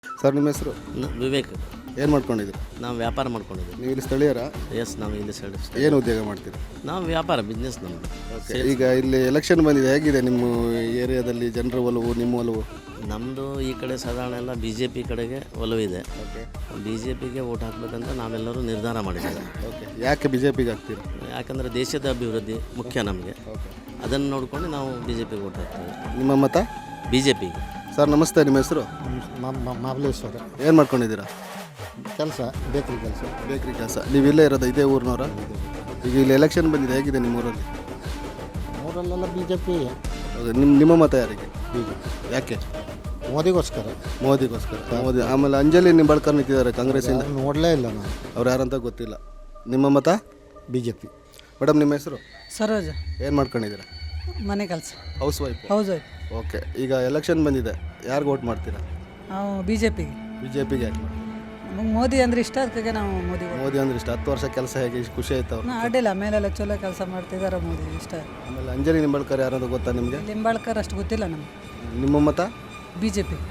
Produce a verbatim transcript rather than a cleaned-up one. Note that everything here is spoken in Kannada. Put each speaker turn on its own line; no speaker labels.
ಸರ್ ನಿಮ್ಮ ಹೆಸರು?
ನ- ವಿವೇಕ್.
ಏನು ಮಾಡ್ಕೊಂಡಿದ್ದೀರಿ?
ನಾವು ವ್ಯಾಪಾರ ಮಾಡ್ಕೊಂಡಿದ್ದೀವಿ.
ನೀವು ಇಲ್ಲಿ ಸ್ಥಳೀಯರಾ?
ಎಸ್, ನಾವು ಇಲ್ಲಿ ಸೈಡ್
ಏನು ಉದ್ಯೋಗ ಮಾಡ್ತೀರಿ?
ನಾವು ವ್ಯಾಪಾರ ಬಿಸ್ನೆಸ್ ನಮ್ಮದು.
ಓಕೆ, ಈಗ ಇಲ್ಲಿ ಎಲೆಕ್ಷನ್ ಬಂದಿದೆ, ಹೇಗಿದೆ ನಿಮ್ಮ ಏರಿಯಾದಲ್ಲಿ ಜನರ ಒಲವು, ನಿಮ್ಮ ಒಲವು?
ನಮ್ಮದು ಈ ಕಡೆ ಸಾಧಾರಣ ಎಲ್ಲ ಬಿ ಜೆ ಪಿ ಕಡೆಗೆ ಒಲವಿದೆ.
ಓಕೆ
ಬಿ ಜೆ ಪಿಗೆ ವೋಟ್ ಹಾಕಬೇಕಂತ ನಾವೆಲ್ಲರೂ ನಿರ್ಧಾರ ಮಾಡಿದ್ದೇವೆ.
ಓಕೆ ಯಾಕೆ ಬಿ ಜೆ ಪಿಗೆ ಹಾಕ್ತೀರಾ?
ಯಾಕಂದರೆ ದೇಶದ ಅಭಿವೃದ್ಧಿ ಮುಖ್ಯ ನಮಗೆ.
ಓಕೆ,
ಅದನ್ನು ನೋಡಿಕೊಂಡು ನಾವು ಬಿ ಜೆ ಪಿಗೆ ವೋಟ್ ಹಾಕ್ತೇವೆ.
ನಿಮ್ಮ ಮತ?
ಬಿ ಜೆ ಪಿಗೆ.
ಸರ್ ನಮಸ್ತೆ, ನಿಮ್ಮ ಹೆಸರು?
ಮಹಾಬಲೇಶ್ವರ.
ಏನು ಮಾಡ್ಕೊಂಡಿದ್ದೀರಾ?
ಕೆಲಸ, ಬೇಕ್ರಿ ಕೆಲಸ.
ಬೇಕ್ರಿ ಕೆಲಸ. ನೀವು ಇಲ್ಲೇ ಇರೋದು, ಇದೇ ಊರಿನವರ? ಈಗ ಇಲ್ಲಿ ಎಲೆಕ್ಷನ್ ಬಂದಿದೆ, ಹೇಗಿದೆ ನಿಮ್ಮ ಊರಲ್ಲಿ?
ಊರಲ್ಲೆಲ್ಲ ಬಿ ಜೆ ಪಿ.
ಹೌದು, ನಿಮ್ಮ ನಿಮ್ಮ ಮತ ಯಾರಿಗೆ?
ಬಿ ಜೆ
ಯಾಕೆ?
ಮೋದಿಗೋಸ್ಕರ.
ಮೋದಿಗೋಸ್ಕರ. ಮೋದಿ. ಆಮೇಲೆ ಅಂಜಲಿ ನಿಂಬಾಳ್ಕರ್ ನಿಂತಿದ್ದಾರೆ ಕಾಂಗ್ರೆಸ್ಸಿಂದ.
ನೋಡಲೇ ಇಲ್ಲ ನಾನು.
ಅವ್ರು ಯಾರಂತ ಗೊತ್ತಿಲ್ಲ. ನಿಮ್ಮ ಮತ?
B J P.
ಮೇಡಮ್ ನಿಮ್ಮ ಹೆಸರು?
ಸರೋಜ.
ಏನು ಮಾಡ್ಕೊಂಡಿದ್ದೀರಾ?
ಮನೆ ಕೆಲಸ.
House wife?
House wife.
Okay, ಈಗ ಎಲೆಕ್ಷನ್ ಬಂದಿದೆ, ಯಾರಿಗೆ ವೋಟ್ ಮಾಡ್ತೀರಾ?
ನಾವು ಬಿ ಜೆ ಪಿಗೆ.
ಬಿ ಜೆ ಪಿಗೆ ಯಾಕೆ ಮಾಡ್ತೀರಾ?
ನಮಗೆ ಮೋದಿ ಅಂದರೆ ಇಷ್ಟ, ಅದಕ್ಕೆ ನಾವು ಮೋದಿ.
ಮೋದಿ ಅಂದ್ರೆ ಇಷ್ಟ. ಹತ್ತು ವರ್ಷ ಕೆಲಸ ಹೇಗೆ, ಇಷ್ಟು ಖುಷಿ ಆಯ್ತು ಅವ್ರು?
ಅಡ್ಡಿಲ್ಲ, ಮೇಲೆಲ್ಲ ಚಲೋ ಕೆಲಸ ಮಾಡ್ತಿದ್ದಾರೆ, ಮೋದಿ ಇಷ್ಟ.
ಆಮೇಲೆ ಅಂಜಲಿ ನಿಂಬಾಳ್ಕರ್ ಯಾರಂತ ಗೊತ್ತಾ ನಿಮಗೆ?
ಲಿಂಬಾಳ್ಕರ್ ಅಷ್ಟು ಗೊತ್ತಿಲ್ಲ ನಮಗೆ.
ನಿಮ್ಮ ಮತ?
B J P.